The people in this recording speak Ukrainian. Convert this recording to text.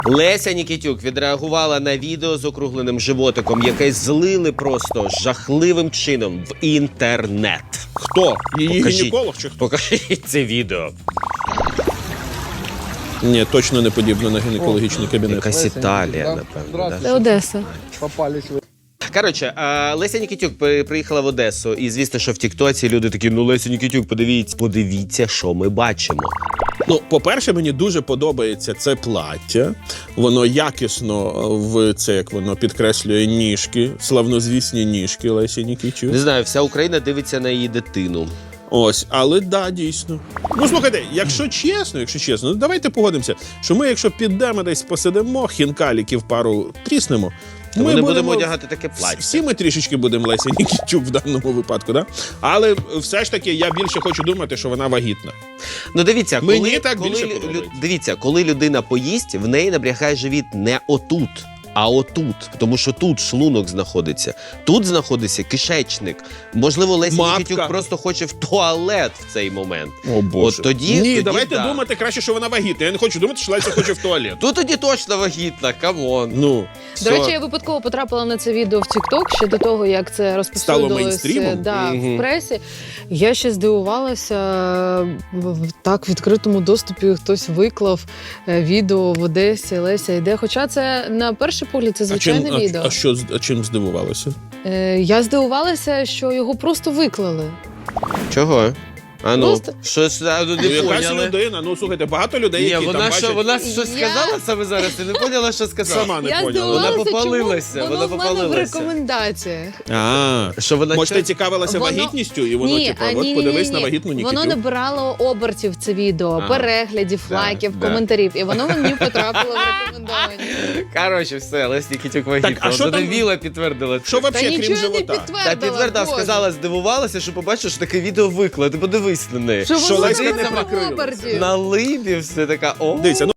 Леся Нікітюк відреагувала на відео з округленим животиком, яке злили просто жахливим чином в інтернет. Хто? Її гінеколог чи хто? Покажіть це відео. Ні, точно не подібно на гінекологічний кабінет. Якась Італія, напевно. Да? Це Одеса. Попались вы. Коротше, Леся Нікітюк приїхала в Одесу, і звісно, що в тіктоці люди такі, ну Леся Нікітюк, подивіться, що ми бачимо. Ну, по-перше, мені дуже подобається це плаття. Воно якісно як воно підкреслює ніжки, славнозвісні ніжки Лесі Нікітюк. Не знаю, вся Україна дивиться на її дитину. Ось, але да, дійсно. Ну, слухайте, якщо чесно, ну давайте погодимося, що ми, якщо підемо десь посидимо, хінкаліків пару тріснемо, Ми не будемо одягати таке плаття. Всі ми трішечки будемо Леся Нікітюк в даному випадку, да? Але все ж таки я більше хочу думати, що вона вагітна. Ну дивіться, Мені так більше подобається. дивіться, коли людина поїсть, в неї набрягає живіт не отут, а отут. Тому що тут шлунок знаходиться. Тут знаходиться кишечник. Можливо, Леся Нікітюк просто хоче в туалет в цей момент. О, Боже. От тоді, Ні, давайте да. думати краще, що вона вагітна. Я не хочу думати, що Леся хоче в туалет. Тут тоді точно вагітна, камон. Ну. До речі, я випадково потрапила на це відео в TikTok ще до того, як це розповсюдилося мейнстрімом? в пресі. Я ще здивувалася, так в відкритому доступі хтось виклав відео в Одесі, Леся йде. Хоча це на перший погляд це звичайне відео. А чим здивувалася? Я здивувалася, що його просто виклали. Чого? А ну, Просто- щось не Якась поняли. людина, ну слухайте, багато людей, Ні, які там бачать... вона щось сказала саме зараз, ти не поняла, що сказала? Сама не Я поняла. здивувалася, Вона попалилася, чому вона воно в мене в попалилася. рекомендаціях. Що вона Може, ти чо- цікавилася Воно- вагітністю, і воно, от подивись на вагітну Нікітюк. Воно набирало обертів, це відео, переглядів, Да, лайків, да. коментарів. І воно мені потрапило в рекомендовані. Коротше, все, Леся Нікітюк вагітна. Так, а що там- Віла підтвердила це. Що Та взагалі, крім нічого не живота? підтвердила. Та підтвердила, Боже. сказала, здивувалася, що побачиш, що таке відео виклало. Ти подивись на неї. Що Що воно Леська не набирало прикрилася. обертів. На либі все така, о. Дивіться,